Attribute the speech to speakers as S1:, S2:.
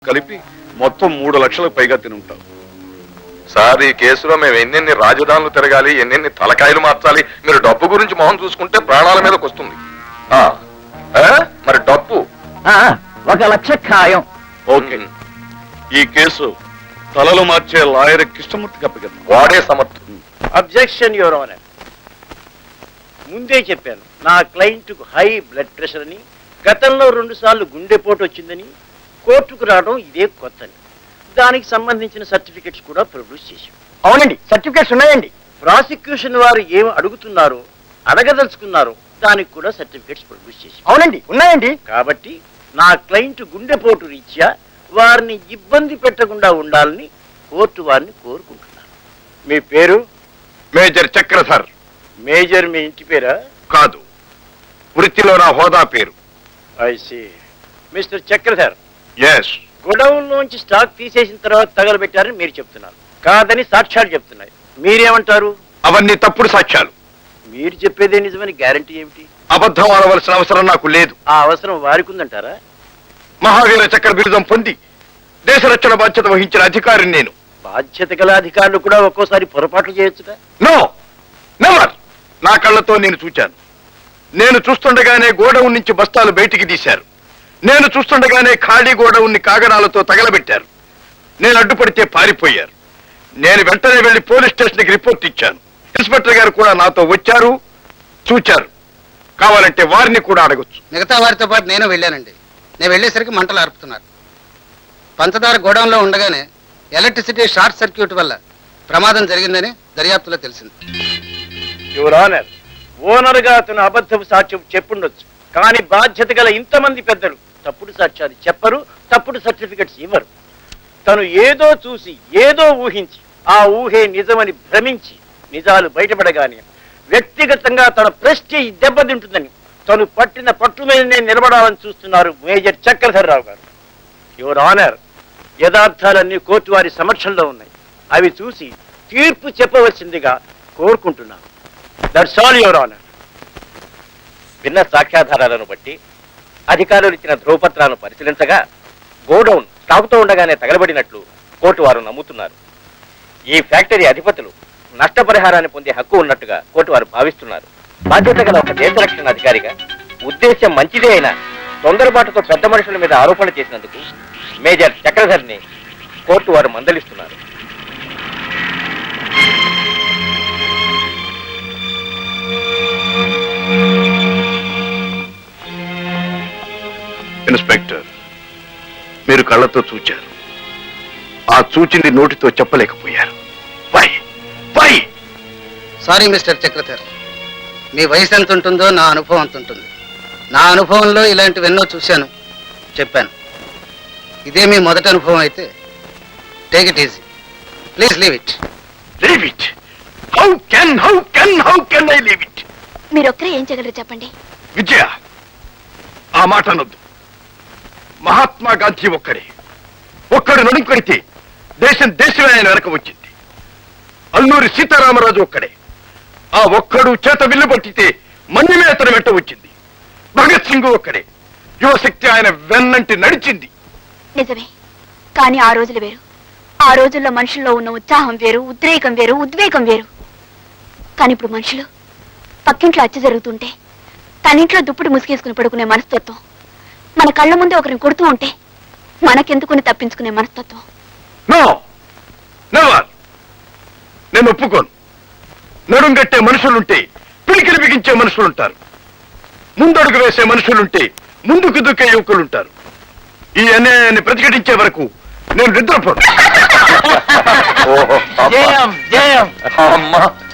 S1: కలిపి మొత్తం 3 లక్షలకు పైగా తిని ఉంటాం.
S2: సార్, ఈ కేసులో మేము ఎన్నెన్ని రాజధానులు తిరగాలి, ఎన్నెన్ని తలకాయలు మార్చాలి. మీరు డబ్బు గురించి మొహం చూసుకుంటే ప్రాణాల మీదకి వస్తుంది. మరి డబ్బు
S3: 1 లక్ష ఖాయం.
S1: ఓకే, ఈ కేసు తలలు మార్చే లాయర్ కృష్ణమూర్తికి అప్పగిద్దాం.
S2: వాడే సమర్థుడు.
S4: Objection your honour. ముందే చెప్పాను, నా క్లయింట్కు హై బ్లడ్ ప్రెషర్ అని, గతంలో 2 సార్లు గుండెపోటు వచ్చిందని, కోర్టుకు రావడం ఇదే కొత్తని. దానికి సంబంధించిన సర్టిఫికెట్స్ కూడా ప్రొడ్యూస్ చేశాం.
S3: అవునండి, సర్టిఫికెట్స్ ఉన్నాయండి.
S4: ప్రాసిక్యూషన్ వారు ఏం అడుగుతున్నారో, అడగదలుచుకున్నారో దానికి కూడా సర్టిఫికెట్స్ ప్రొడ్యూస్ చేశాం.
S3: అవునండి, ఉన్నాయండి.
S4: కాబట్టి నా క్లయింట్ గుండెపోటు రీత్యా వారిని ఇబ్బంది పెట్టకుండా ఉండాలని కోర్టు వారిని కోరుకుంటున్నాను. మీ పేరు?
S2: మేజర్ చక్రధర్.
S4: మేజర్ మీ ఇంటి పేరా?
S2: కాదు, వృత్తిలో నా హోదా పేరు.
S4: I see. Mister Chakradhar,
S2: yes.
S4: Godown లోంచి స్టాక్ తీసేసిన తర్వాత తగలబెట్టారని మీరు చెప్తున్నారు. కాదని సాక్ష్యాలు చెప్తున్నాయి. మీరేమంటారు?
S2: అవన్నీ తప్పుడు సాక్ష్యాలు.
S4: మీరు చెప్పేదే నిజమని గ్యారంటీ ఏమిటి?
S2: అబద్ధం ఆడవలసిన అవసరం నాకు లేదు.
S4: ఆ అవసరం వారికి ఉందంటారా?
S2: మహావీర చక్ర బిరుదం పొంది దేశ రక్షణ బాధ్యత వహించిన అధికారిని నేను.
S4: బాధ్యత గల అధికారులు కూడా ఒక్కోసారి పొరపాట్లు చేయొచ్చుగా?
S2: No, never. నా కళ్ళతో నేను చూచాను. నేను చూస్తుండగానే గోడౌన్ నుంచి బస్తాలు బయటికి తీశారు. నేను చూస్తుండగానే ఖాళీ గోడౌన్ని కాగడాలతో తగలబెట్టారు. నేను అడ్డుపడితే పారిపోయారు. నేను వెంటనే వెళ్లి పోలీస్ స్టేషన్కి రిపోర్ట్ ఇచ్చాను. ఇన్స్పెక్టర్ గారు కూడా నాతో వచ్చారు, చూచారు. కావాలంటే వారిని కూడా అడగొచ్చు.
S5: మిగతా వారితో పాటు నేను వెళ్ళానండి. నేను వెళ్ళేసరికి మంటలు ఆర్పుతున్నారు. పంచదార గోడౌన్లో ఉండగానే ఎలక్ట్రిసిటీ షార్ట్ సర్క్యూట్ వల్ల ప్రమాదం జరిగిందని దర్యాప్తులో తెలిసింది.
S4: యువర్ ఆనర్, ఓనర్ గా అతను అబద్ధపు సాక్ష్యం చెప్పుండొచ్చు, కానీ బాధ్యత గల ఇంతమంది పెద్దలు తప్పుడు సాక్ష్యాలు చెప్పరు, తప్పుడు సర్టిఫికెట్స్ ఇవ్వరు. తను ఏదో చూసి ఏదో ఊహించి ఆ ఊహే నిజమని భ్రమించి నిజాలు బయటపడగానే వ్యక్తిగతంగా తన ప్రెస్టీజ్ దెబ్బతింటుందని తను పట్టిన పట్టు మీదనే నిలబడాలని చూస్తున్నారు మేజర్ చక్రధర్ రావు గారు. యువర్ ఆనర్, యథార్థాలన్నీ కోర్టు వారి సమక్షంలో ఉన్నాయి. అవి చూసి తీర్పు చెప్పవలసిందిగా కోరుకుంటున్నాను. That's all your honour.
S6: భిన్న సాక్ష్యాధారాలను బట్టి అధికారులు ఇచ్చిన ధ్రువపత్రాలను పరిశీలించగా గోడౌన్ స్టాకుతో ఉండగానే తగలబడినట్లు కోర్టు వారు నమ్ముతున్నారు. ఈ ఫ్యాక్టరీ అధిపతులు నష్టపరిహారాన్ని పొందే హక్కు ఉన్నట్టుగా కోర్టు వారు భావిస్తున్నారు. బాధ్యత గల ఒక దేశ రక్షణ అధికారిగా ఉద్దేశ్యం మంచిదే అయినా తొందరపాటుతో పెద్ద మనుషుల మీద ఆరోపణలు చేసినందుకు మేజర్ చక్రధర్ని కోర్టు వారు మందలిస్తున్నారు.
S2: ఇన్స్పెక్టర్, మీరు కళ్ళతో చూచారు. ఆ చూచింది నోటితో చెప్పలేకపోయారు. Why why?
S5: Sorry mister Chakradhar, మీ వయసు ఎంత ఉంటుందో నా అనుభవం అంత ఉంటుంది. నా అనుభవంలో ఇలాంటివెన్నో చూశాను, చెప్పాను. ఇదే మీ మొదటి అనుభవం అయితే take it easy. Please leave it.
S2: Leave it? How can I leave it?
S7: మీరొక్కరే ఏం చేయగలరు చెప్పండి.
S2: విజయ, ఆ మాట అనొద్దు. మహాత్మా గాంధీ ఒక్కడు నడుంకొడితే దేశమే ఆయన వెనక వచ్చింది. అల్లూరి సీతారామరాజు ఒక్కడే. ఆ ఒక్కడు చేత విల్లు పట్టితే మన్యమే అతను వెంట వచ్చింది. భగత్ సింగ్ ఒక్కడే. యువశక్తి ఆయన వెన్నంటి నడిచింది.
S7: నిజమే, కానీ ఆ రోజులు వేరు. ఆ రోజుల్లో మనుషుల్లో ఉన్న ఉత్సాహం వేరు, ఉద్రేకం వేరు, ఉద్వేగం వేరు. కానీ ఇప్పుడు మనుషులు పక్కింట్లో హత్య జరుగుతుంటే తనింట్లో దుప్పుడు ముసుగేసుకుని పడుకునే మనస్తత్వం, మన కళ్ళ ముందే ఒకరిని కొడుతూ ఉంటే మనకెందుకుని తప్పించుకునే మనస్తత్వం.
S2: No, never. నేను ఒప్పుకోను. నడుంగట్టే మనుషులుంటే పిలికిలి బిగించే మనుషులుంటారు. ముందడుగు వేసే మనుషులుంటే ముందుకు దుక్కే యువకులుంటారు. ఈ అన్యాయాన్ని ప్రతిఘటించే వరకు నేను నిద్రపోను.
S4: జయం జయం.
S2: అమ్మా,